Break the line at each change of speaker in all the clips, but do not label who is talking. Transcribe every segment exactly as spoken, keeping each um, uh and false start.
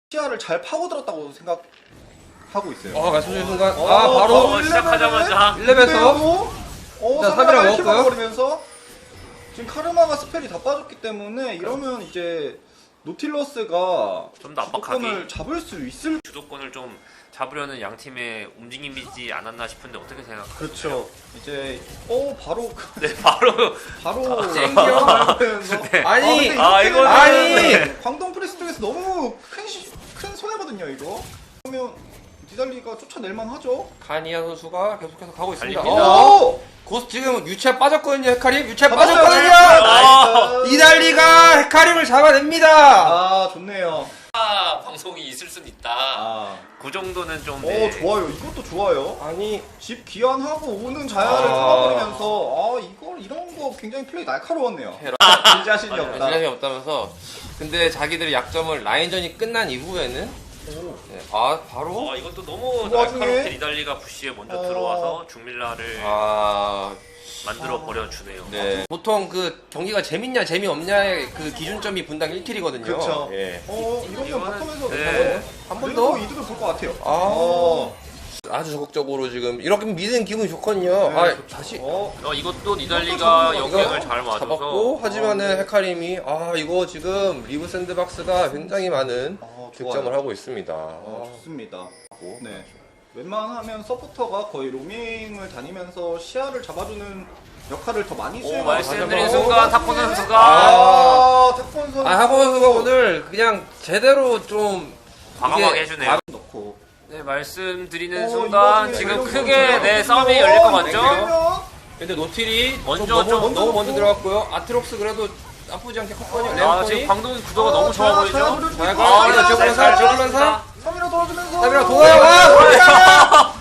시야를 잘 파고들었다고 생각하고 있어요.
어, 말씀드린 순간
어,
아 바로
어,
시작하자마자
일 렙에서
어,
자, 삼이라 먹었고요.
버리면서 지금 카르마가 스펠이 다 빠졌기 때문에 이러면 이제 노틸러스가
좀 더 압박하기.
주도권을 잡을 수 있을.
주도권을 좀 잡으려는 양 팀의 움직임이지 않았나 싶은데 어떻게 생각하세요?
그렇죠. 이제 어 바로
네, 바로
바로
땡겨.
네.
아니,
아, 이거는-
아니.
광동 프레스 쪽에서 너무 큰, 시, 큰 손해거든요 이거. 그러면 디달리가 쫓아낼만 하죠.
카니아 선수가 계속해서 가고 있습니다.
달립니다.
어,
오!
고스 지금 유채 빠졌거든요. 헤카림 유채
잡았어요.
빠졌거든요.
나이스.
이달리가 헤카림을 잡아냅니다.
아 좋네요.
아, 방송이 있을 순 있다.
아,
그 정도는 좀.
오
네.
좋아요. 이것도 좋아요.
아니
집 귀환하고 오는 자야를
아.
잡아버리면서 아 이걸 이런 거 굉장히 플레이 날카로웠네요.
테러.
진자신이
맞아요.
없다.
질량이 없다면서 근데 자기들의 약점을 라인전이 끝난 이후에는 네, 아 바로
어, 이것도 너무
그 와중에-
날카롭게 리달리가 부시에 먼저
어.
들어와서 중밀라를
아
만들어 버려 주네요.
네. 보통 그 경기가 재밌냐 재미없냐의 그 기준점이 분당 일 킬이거든요.
그렇죠.
예.
어 이러면
이거는-
바텀에서
네.
한 번
그래도
더
이득을 볼 것 같아요.
아.
어.
아주 적극적으로 지금 이렇게 미는 기분이 좋거든요.
네,
아
좋죠.
다시
어.
어, 이것도 니달리가
이것도
역행을 잘 맞아서
잡았고 하지만은
아, 네.
헤카림이 아 이거 지금 리브 샌드박스가 굉장히 많은
어,
득점을
좋아요.
하고 있습니다.
어,
아.
좋습니다. 네. 웬만하면 서포터가 거의 로밍을 다니면서 시야를 잡아주는 역할을 더 많이
오,
수행하고
말씀드린
있어요.
순간
어,
탁구
나중에-
선수가
아, 탁권 선수.
아 하고 선수가 오늘 그냥 제대로 좀
과감하게
이게
해주네요.
아,
넣고.
네, 말씀드리는
어, 이
순간
와중에
지금
이런
크게
선수가
내
어,
싸움이
어,
열릴 것
이렇게
같죠?
되면
근데 노틸이
먼저
좀 너무,
좀
너무 먼저
먼저
들어갔고요. 아트록스 그래도 나쁘지 않게 컸거든요.
아,
레오콘이
지금 광동 구도가
어,
너무 좋아
자야,
보이죠?
자야 노려주고
자야가
있고,
아,
자야,
저글링
자야,
사, 저글링 사.
삼이라 돌아주면서.
삼이라 도와요. 아,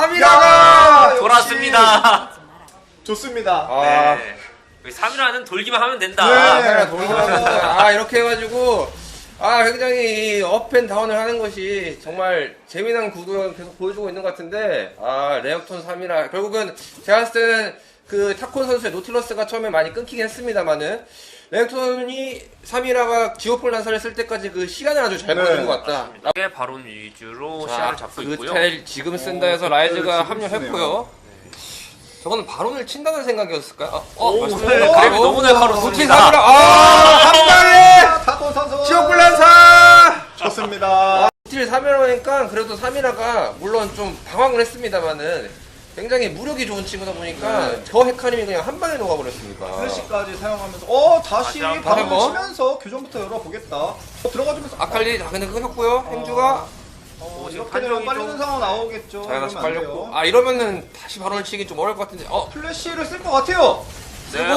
삼이라가
돌았습니다.
좋습니다.
아,
네. 삼 일화는 돌기만 하면 된다.
네.
카메라 돌리면서 아 이렇게 해가지고 아 굉장히 업앤다운을 하는 것이 정말 재미난 구도를 계속 보여주고 있는 것 같은데 아 레어톤 삼이라 결국은 제가 봤을 때는 그 타콘 선수의 노틸러스가 처음에 많이 끊기긴 했습니다만은 레어톤이 삼이라가 지오폴 난사를 쓸 때까지 그 시간을 아주 잘
네.
보여준 것 같다.
이게 바론 위주로
자,
시야를 잡고
그
있고요.
텔 지금 쓴다 해서
어,
라이즈가
지금
합류했고요. 저거는 바론을 친다는 생각이었을까요? 아, 어,
오,
말씀드린
네,
대로
그래도 너무 날카롭습니다.
노틸 삼이라 아, 한 방에
탁권 선수.
지오폴 난사!
좋습니다.
노틸 삼이라니까 그래도 삼이라가 물론 좀 당황을 했습니다만은 굉장히 무력이 좋은 친구다 보니까
네.
저 헤카림이 그냥 한 방에 녹아버렸습니다.
플래시까지 사용하면서 어 다시
다시 한
바람을
번.
치면서 교전부터 열어보겠다. 어, 들어가주면서
아칼리 다 근데 끊겼고요. 행주가
어,
지금
이렇게 되면
판정이
빨리는
좀-
상황 나오겠죠.
자가 다시
이러면 안
빨렸고
돼요.
아 이러면은 다시 바론을 치기 좀 어려울 것 같은데 어
플래시를 쓸 것 같아요.
네.
쓰고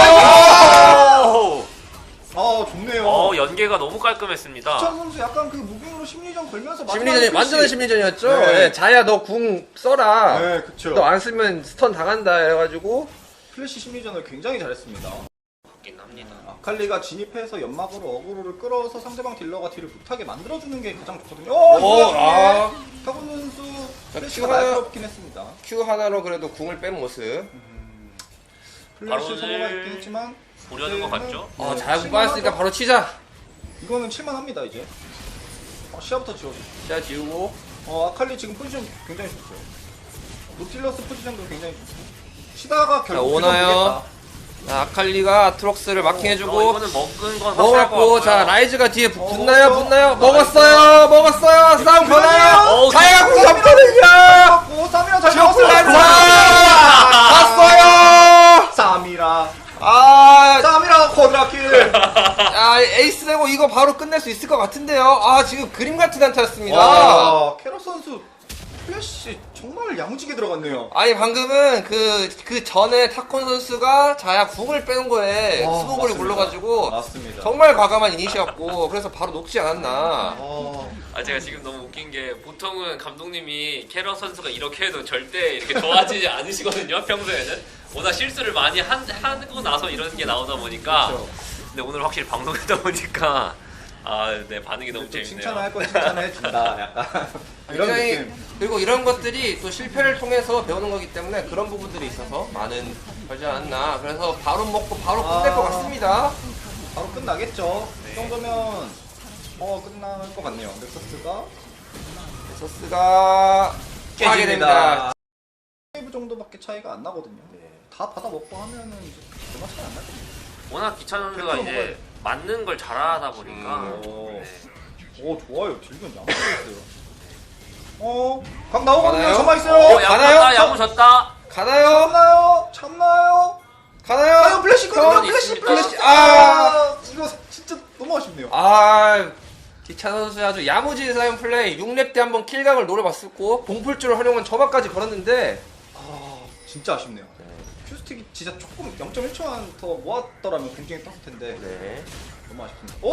오!
아 좋네요.
어, 연계가 너무 깔끔했습니다.
천 선수 약간 그 무빙으로 심리전 걸면서
심리전이
마지막에
완전한
플래시.
심리전이었죠.
네.
예, 자야 너 궁 써라.
네 그쵸.
너 안 쓰면 스턴 당한다 해가지고
플래시 심리전을 굉장히 잘했습니다.
맞긴 합니다.
아칼리가 진입해서 연막으로 어그로를 끌어서 상대방 딜러가 딜을 못하게 만들어주는 게 가장 좋거든요. 어,
오,
이거
아.
타곤 선수
자,
플래시가
큐가-
날카롭긴 했습니다.
Q 하나로 그래도 궁을 뺀 모습.
플래시
바로는
성공했긴 했지만
보려는 것
이제는
같죠?
어,
네,
잘
칠만하죠.
빠졌으니까 바로 치자.
이거는 칠만합니다 이제. 어, 시야부터 지워줘.
자 지우고.
어 아칼리 지금 포지션 굉장히 좋고요. 노틸러스 포지션도 굉장히 좋고. 치다가 결국
오나요?
교전
자, 아칼리가 아트록스를
어,
마킹해주고
이거는 먹은 건 확실할 것
먹었고
같고요.
자 라이즈가 뒤에 붙-
어,
붙나요
먹었어.
붙나요
나이스.
먹었어요 먹었어요 싸움 거나요
어우,
자야가 궁
쌈이라
잡거든요
잡고 쌈이라 잘
지오플
잡았어요.
난사 갔어요
쌈이라
아
쌈이라 쿼드라킬.
아, 에이스 되고 이거 바로 끝낼 수 있을 것 같은데요. 아, 지금 그림 같은 한타였습니다.
와 캐럿 선수 플래시 정말 야무지게 들어갔네요.
아니, 방금은 그, 그 전에 타콘 선수가 자야 궁을 빼는 거에
와,
수고골이
맞습니다.
굴러가지고
맞습니다.
정말 과감한 이니시였고 그래서 바로 녹지 않았나.
어,
아 제가 지금 너무 웃긴 게 보통은 감독님이 캐럿 선수가 이렇게 해도 절대 이렇게 좋아지지 않으시거든요. 평소에는 워낙 실수를 많이 한, 하고 나서 이런 게 나오다 보니까
그렇죠.
근데 오늘 확실히 방송하다 보니까 아 네 반응이 너무
또
재밌네요.
칭찬을 할 건 칭찬을 해준다. 약간 이런
굉장히-
느낌.
그리고 이런 것들이 또 실패를 통해서 배우는 거기 때문에 그런 부분들이 있어서 많은 걸지 않았나. 그래서 바로 먹고 바로 끝낼
아.
것 같습니다.
바로 끝나겠죠. 이 정도면 어 끝날 것 같네요. 넥서스가
넥서스가 하게 됩니다.
웨이브 정도밖에 차이가 안 나거든요. 다 받아 먹고 하면은 이제 얼마 차이 안 나거든요.
워낙 기찬 선수가
팩트로
이제
먹어야 돼.
맞는 걸 잘하다 보니까
음, 오.
네.
오 좋아요. 질문 양보했어요. 어, 각 나오거든요.
가나요?
저만 있어요.
어,
가나요?
야무졌다 야무졌다.
가나요?
참나요? 참나요?
가나요?
아유 플래시 있거든요.
건
플래시
있습니다.
플래시.
아.
아 이거 진짜 너무 아쉽네요.
아, 기찬 선수의 아주 야무진 사이언 플레이. 육 렙 때 한번 킬각을 노려봤었고 봉풀줄을 활용한 저만까지 걸었는데
아 진짜 아쉽네요. 큐스틱이 진짜 조금 영 점 일 초만 더 모았더라면 굉장히 떴을 텐데
네.
너무 아쉽습니다.
오!
오!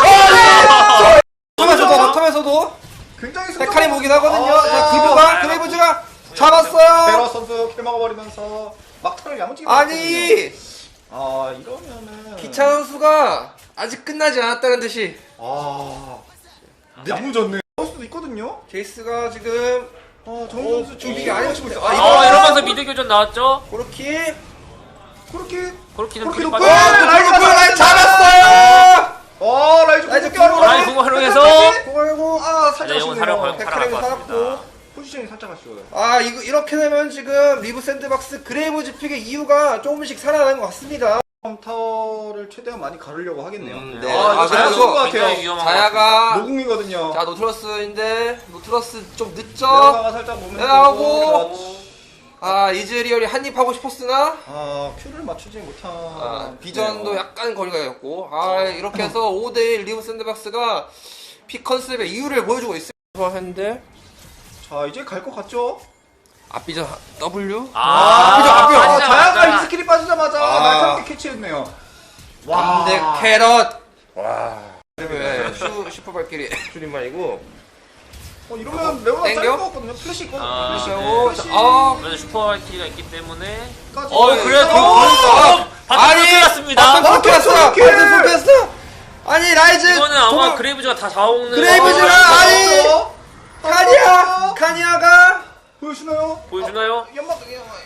아, 컴에서도 컴에서도
굉장히
헤카림 오긴 하거든요.
아,
자, 그브가 그레이브즈가 잡았어요.
베러 선수 킬 먹어버리면서 막타를 야무지게
아니,
먹었거든요. 아 이러면은
기찬 선수가 아직 끝나지 않았다는 듯이
아 야무졌네. 할 수도 있거든요.
제이스가 지금
아 정우
오,
선수 지금
이게
이게
아니었-
아니고 있어요.
아,
아
이거-
어 이러면서 미드 교전 나왔죠.
그렇게
그렇게
그렇게는
그렇게
불이
높은
빠져.
라이즈
라인 잡았어요.
아 라이즈
라이즈
공격기
공격,
라이즈 공격 활용해서
그리고
아 살짝
네, 이건
아쉽네요.
사령 걸-
헤카림이
살아갈 것
살았고
같습니다.
포지션이 살짝 아쉬워요.
아 이거 이렇게 되면 지금 리브 샌드박스 그레이브즈 픽의 이유가 조금씩 살아나는 것 같습니다.
타워를 최대한 많이 가르려고 하겠네요.
음,
네.
아, 이거
아,
잘
그리고
쏜것 같아요.
굉장히 위험한 것
자야가
노궁이거든요.
자 노트러스인데 노트러스 좀 늦죠?
내려가가 살짝 몸을
내려가고.
들고, 그렇지.
아 이즈리얼이 한입 하고 싶었으나
아 큐를 맞추지 못한
아, 비전도
네.
약간 거리가 있고 아 이렇게 해서 오 대 일 리브 샌드박스가 픽 컨셉의 이유를 보여주고 있어요. 했는데
자 이제 갈 것 같죠?
앞비전 W
아,
그죠, 앞이요.
아,
빠지자마자.
자야가 이 스킬이 빠지자마자
아.
날카롭게 캐치했네요.
근데 캐럿 와 네, 슈 슈퍼 발길이 줄임말이고
어 이러면 레오나
땡겨?
짧은 것 같거든요. 플래시 있거든요.
아,
플래시.
네.
플래시.
아
그래도 슈퍼마이티가 있기 때문에
까지.
어 그래
어,
어, 바텀 킬났습니다.
바텀
바텀
킬났어
솔킬!
바텀 킬났어 아니 라이즈
이거는 아마
정말-
그레이브즈가 다 잡아먹는
그레이브즈가
어,
아니!
어,
카니아 카니아가
보여주나요?
보여주나요?
어, 연막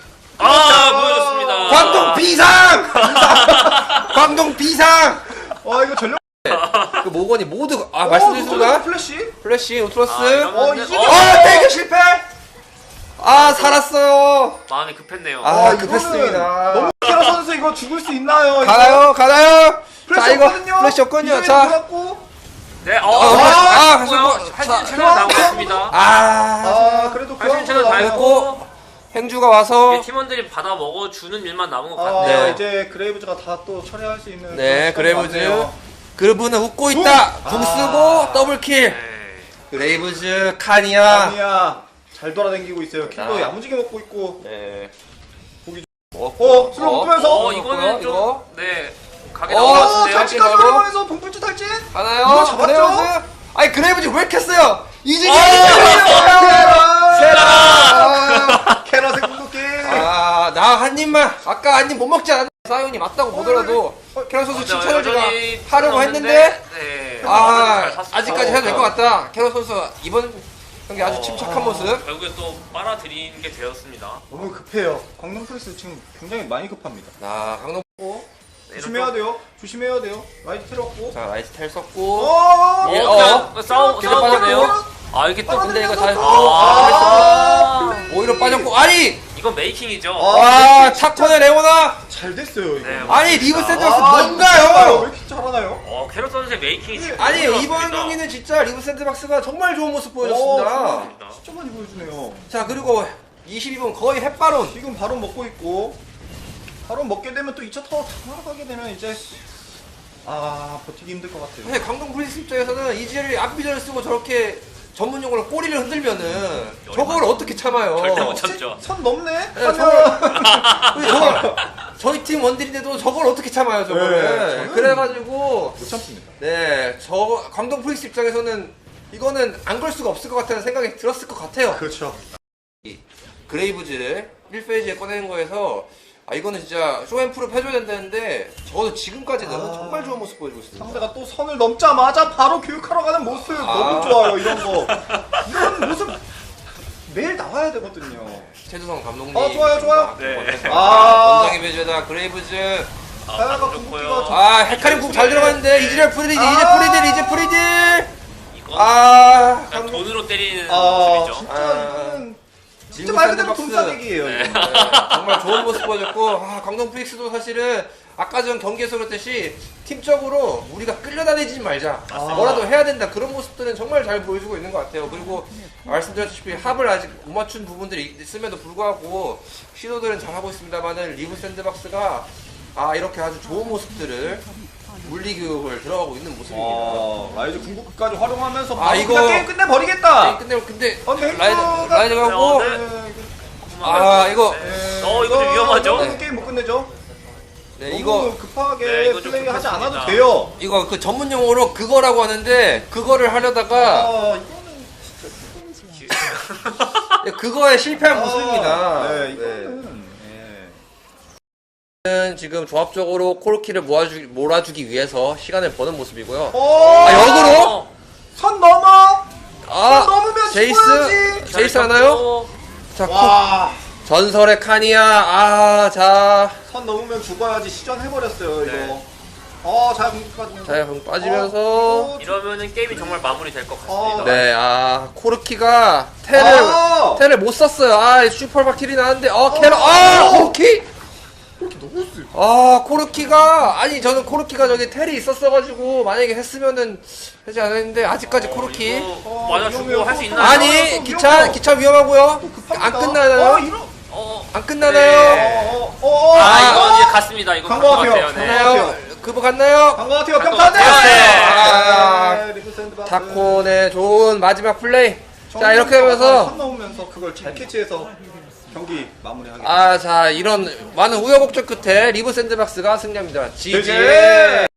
아 보여줬습니다.
광동 비상 광동 비상
아 이거 전력.
그 모건이 모두 아
어,
말씀드린 순간
플래시.
플래시 노트러스
아, 이러면-
어, 이제-
어,
아 대결 실패 아 살았어요
마음이 급했네요.
아,
아,
급했습니다.
이거는 너무 캐러 선수 이거 죽을 수 있나요? 이거?
가나요 가나요
플래시
자 이거
없거든요.
플래시 없군요
이점이
자
들어갔고.
네, 어,
아,
아,
아,
했고요.
가시고.
할수
자,
있는 최선을 다하고
좋아.
있습니다.
아,
아 그래도
할수 있는 최선을
나와요.
다했고
행주가 와서
이제 팀원들이 받아 먹어주는 일만 남은 것
아
같네요.
네.
이제 그레이브즈가 다 또 처리할 수 있는.
네
그런 시간이
그레이브즈
왔네요.
그분은 웃고 있다
아.
궁 쓰고 더블킬
네.
그레이브즈 카니아
아니야. 잘 돌아다니고 있어요. 킬도
아.
야무지게 먹고 있고.
네
보기
먹고
어, 슬로우 먹으면서.
어, 이거는 좀,
이거
네, 가게
어,
나온 것
어,
같은데요.
탈진
탈진까지
말고.
활용해서 봉풀주 탈진.
하나요
이거 잡았죠?
그레이브즈 아니 그레이브즈 왜 이렇게 했어요 이즈리
세라. 캐럿의 궁극기.
아나 한 입만 아까 한 입 못 먹지 않았나 사연이 맞다고 보더라도 캐럿 선수
네,
칭찬을 제가
여전히
하려고
없는데,
했는데
네,
아
잘 샀습니다.
아직까지 해도 될 것 같다 캐럿 선수 이번 경기 아주
어,
침착한 모습
결국에 또 빨아들이는 게 되었습니다.
너무 급해요. 광동 프레스 지금 굉장히 많이 급합니다.
자 강동
어,
네,
조심해야 돼요. 조심해야 돼요. 라이트 틀었고.
자 라이트 텔 썼고
어,
어,
예,
그냥
어.
싸우,
계속
싸우네요.
빠졌고.
아, 이게 또
근데 이거 다
아,
오히려 빠졌고 아니
이건 메이킹이죠.
아,
와 타코네 레오나
잘 됐어요 이거.
네,
아니 리브 샌드박스
아, 왜
뭔가요
이렇게 잘하나요?
어, 캐럿 선수의 메이킹이 진짜
아니
좋았습니다.
이번 경기는 진짜 리브 샌드박스가 정말 좋은 모습
어,
보여줬습니다
정말 진짜 많이 보여주네요.
자 그리고 이십이 분 거의 햇바론
지금 바로 먹고 있고 바로 먹게 되면 또 이 차 타워 다 날아가게 되면 이제 아 버티기 힘들 것 같아요.
사실 강동 프린스 입장에서는 이지를 앞비전을 쓰고 저렇게 전문 용어로 꼬리를 흔들면은 저걸 어떻게 참아요
절대 못 참죠.
선 넘네?
네,
하면
우리 저걸 저희 팀 원딜인데도 저걸 어떻게 참아요 저거를
네, 저는-
그래가지고
못 참습니다.
네저 강동 프린스 입장에서는 이거는 안 걸 수가 없을 것 같다는 생각이 들었을 것 같아요
그렇죠.
그레이브즈를 일 페이지에 꺼내는 거에서 아 이거는 진짜 쇼앤프룹 해줘야 된다는데 적어도 지금까지는
아.
정말 좋은 모습 보여주고 있습니다
상대가 또 선을 넘자마자 바로 교육하러 가는 모습
아.
너무 좋아요. 이런 거 이런 모습 매일 나와야 되거든요.
최두성 감독님
어, 좋아요, 좋아요.
네.
아.
원장의 배제다 그레이브즈
아,
사야가
방금
궁극기가
좋고요.
저-
아 헤카림 궁 잘 들어갔는데 이즈리얼 프리딜 이제
아.
프리딜 이제 프리딜.
이건
아
그냥
강동-
돈으로 때리는
아
모습이죠.
진짜
아.
이거는 진짜
진구
말 그대로
샌드박스.
돈싸대기예요.
네,
이거.
정말 좋은 모습 보여줬고 아, 강동 프릭스도 사실은 아까 전 경기에서 그랬듯이 팀적으로 우리가 끌려다니지 말자
맞습니다.
뭐라도 해야 된다 그런 모습들은 정말 잘 보여주고 있는 것 같아요. 그리고 말씀드렸다시피 합을 아직 못 맞춘 부분들이 있음에도 불구하고 시도들은 잘하고 있습니다만은 리브 샌드박스가 아 이렇게 아주 좋은 모습들을 물리교육을 들어가고 있는 모습입니다.
어, 라이즈 궁극기까지 활용하면서
아,
바로
이거-
그냥 게임 끝내버리겠다.
게임 끝내고 근데
어, 근데
라이드
햄버거가-
라이드가 하고
어, 네.
네,
아 이거
네,
어, 이거 좀 위험하죠?
이거는 게임 못 끝내죠.
네,
너무
이거
급하게
네, 이거 좀
플레이하지
급했습니다.
않아도 돼요.
이거 그 전문 용어로 그거라고 하는데 그거를 하려다가
아, 이거는
그거에 실패한
아,
모습입니다.
네,
네.
이거는 네.
는 지금 조합적으로 코르키를 모아주, 몰아주기 위해서 시간을 버는 모습이고요.
오,
아, 역으로?
선 넘어.
아,
선 넘으면
제이스,
죽어야지.
제이스 하나요? 자, 코,
와,
전설의 카니아, 아, 자,
선 넘으면 죽어야지 시전해버렸어요
네.
이거. 어, 잘 궁극까지.
자, 그럼 빠지면서,
어,
이러면은 게임이 정말 마무리될 것 같습니다.
어,
네, 아, 코르키가 테를,
아!
테를 못 썼어요. 아, 슈퍼박 킬이 나왔는데, 어, 캐러, 아, 코르키?
너무 세.
아, 코르키가, 아니, 저는 코르키가 저기 텔이 있었어가지고, 만약에 했으면은, 하지 않았는데, 아직까지 코르키.
어, 맞아 주고 할 수 있나요?
아니
위험해요.
기차 기차 위험하고요.
급합니다.
안 끝나나요?
어, 이런.
어,
안 끝나나요?
네.
어, 어, 어,
아,
어,
이건 이제 갔습니다. 이거
간것
간것
같아요.
같아요. 네.
갔나요? 그거 갔나요?
간것 같아요.
간것
평타대.
같아요.
아, 리브 샌드박스.
타코의 좋은 마지막 플레이. 자
정말
이렇게
선
하면서
넘으면서 그걸 잘 캐치해서 경기 마무리하겠습니다.
아 자 이런 많은 우여곡절 끝에 리브 샌드박스가 승리합니다. 지지.
지지.